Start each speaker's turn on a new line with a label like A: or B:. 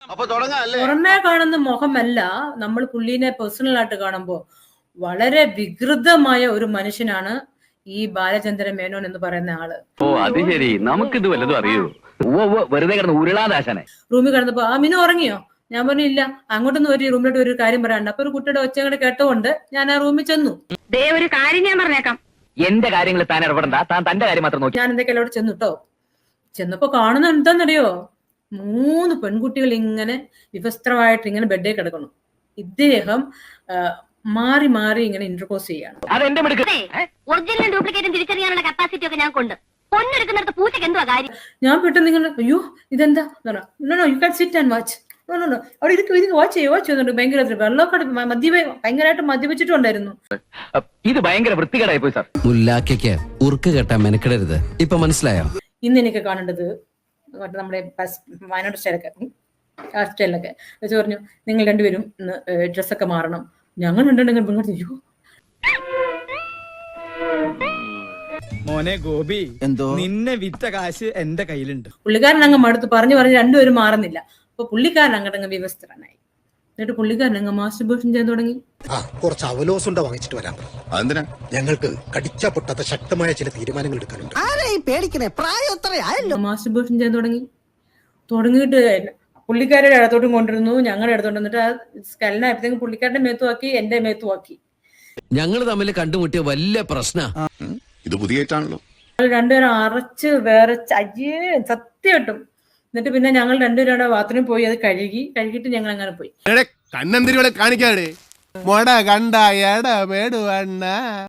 A: പുറമേ കാണുന്ന മുഖമല്ല, നമ്മൾ പുള്ളിനെ പേഴ്സണൽ ആയിട്ട് കാണുമ്പോൾ വളരെ വികൃതമായ ഒരു മനുഷ്യനാണ് ഈ ബാലചന്ദ്ര മേനോൻ എന്ന് പറയുന്ന ആള്.
B: ഓ അത് ശരി, നമുക്കിത് വല്ലതും അറിയൂ. വെറുതെ കിടന്ന് ഉരുളാദാശനെ.
A: റൂമിൽ കിടന്നപ്പോ മിനു ഉറങ്ങിയോ? ഞാൻ പറഞ്ഞു ഇല്ല. അങ്ങോട്ടൊന്നും ഒരു റൂമിലോട്ട് ഒരു കാര്യം പറയാണ്ട്. അപ്പൊ ഒരു കുട്ടിയുടെ ഒച്ചങ്ങടെ കേട്ടുകൊണ്ട് ഞാൻ ആ റൂമിൽ ചെന്നു.
C: ഒരു കാര്യം ഞാൻ പറഞ്ഞേക്കാം,
B: എന്റെ കാര്യങ്ങൾ താൻ ഇടപെടണ്ട, താൻ തന്റെ കാര്യം മാത്രം നോക്കി.
A: ഞാൻ എന്തൊക്കെ അവിടെ ചെന്നുട്ടോ. ചെന്നപ്പോ കാണുന്ന എന്താന്നറിയോ, 3 പെൺകുട്ടികൾ ഇങ്ങനെ വിവസ്ത്രമായിട്ട് ഇങ്ങനെ ബെഡേ കിടക്കണം. ഇദ്ദേഹം മാറി മാറി ഇങ്ങനെ ഇന്റർകോസ് ചെയ്യാണ്.
C: ഒറിജിനൽ ഡ്യൂപ്ലിക്കേറ്റും തിരിച്ചറിയാനുള്ള കപ്പാസിറ്റി ഒക്കെ ഞാൻ കൊണ്ട് പൊന്നെടുക്കുന്നിടത്ത് പൂച്ചക്ക് എന്തുവാ കാര്യം?
A: ഞാൻ പെട്ടെന്ന് നിങ്ങൾ അയ്യോ ഇതെന്താ you can sit and watch. അവിടെ ഇരിക്കും വാച്ച് ചെയ്യുന്നുണ്ട്. ഭയങ്കര വെള്ളമൊക്കെ ഭയങ്കരമായിട്ട് മദ്യപിച്ചിട്ടുണ്ടായിരുന്നു.
B: ഇത് ഭയങ്കര വൃത്തികേടായി പോയി സാർ.
D: മുല്ലാക്കയ്ക്ക് ഉറുക്ക് കെട്ടാൻ മെനക്കെടരുത്. ഇപ്പൊ മനസ്സിലായോ?
A: ഇന്ന് എനിക്ക് കാണേണ്ടത് നമ്മുടെ വയനാട് സ്റ്റൈലൊക്കെ വെച്ച് പറഞ്ഞു, നിങ്ങൾ രണ്ടുപേരും ഇന്ന് ഡ്രസ്സൊക്കെ മാറണം. ഞങ്ങൾ രണ്ടുണ്ടെങ്കിൽ അയ്യോ
E: മോനെ ഗോപി, എന്തോ നിന്നെ വിറ്റ കാശ് എന്റെ കയ്യിലുണ്ട്.
A: പുള്ളിക്കാരൻ അങ്ങ് മടുത്ത് പറഞ്ഞു രണ്ടുപേരും മാറുന്നില്ല. അപ്പൊ പുള്ളിക്കാരൻ അങ്ങോട്ടങ്ങ് വിവസ്ത്രനായി. എന്നിട്ട് പുള്ളിക്കാരൻ അങ്ങ് മാസ്റ്റർബേഷൻ ചെയ്യാൻ തുടങ്ങി.
F: കുറച്ച് അവലോസുണ്ട വാങ്ങിച്ചിട്ട് വരാം. ഞങ്ങൾക്ക് കടിച്ചാ പൊട്ടാത്ത ശക്തമായ ചില തീരുമാനങ്ങൾ എടുക്കാനുണ്ട്.
A: മാസ്റ്റർബേഷൻ ചെയ്യാൻ തുടങ്ങിയിട്ട് പുള്ളിക്കാരുടെ ഇടത്തോട്ടും കൊണ്ടിരുന്നു, ഞങ്ങളുടെ ഇടത്തോട്ട്. എന്നിട്ട് ആ സ്കലനായപ്പോഴത്തേക്കും പുള്ളിക്കാരുടെ മേത്തുവാക്കി, എന്റെ മേത്തുവാക്കി.
D: ഞങ്ങൾ തമ്മിൽ കണ്ടുമുട്ടിയ വലിയ പ്രശ്ന.
G: ഇത് പുതിയായിട്ടാണല്ലോ.
A: രണ്ടുപേരും അറച്ച് വേറെ അയ്യേ സത്യമായിട്ടും. എന്നിട്ട് പിന്നെ ഞങ്ങൾ രണ്ടുപേരും ബാത്റൂമിൽ പോയി അത് കഴുകിയിട്ട് ഞങ്ങൾ അങ്ങനെ പോയി.
G: കണ്ണന്തിരികളെ കാണിക്കാടെ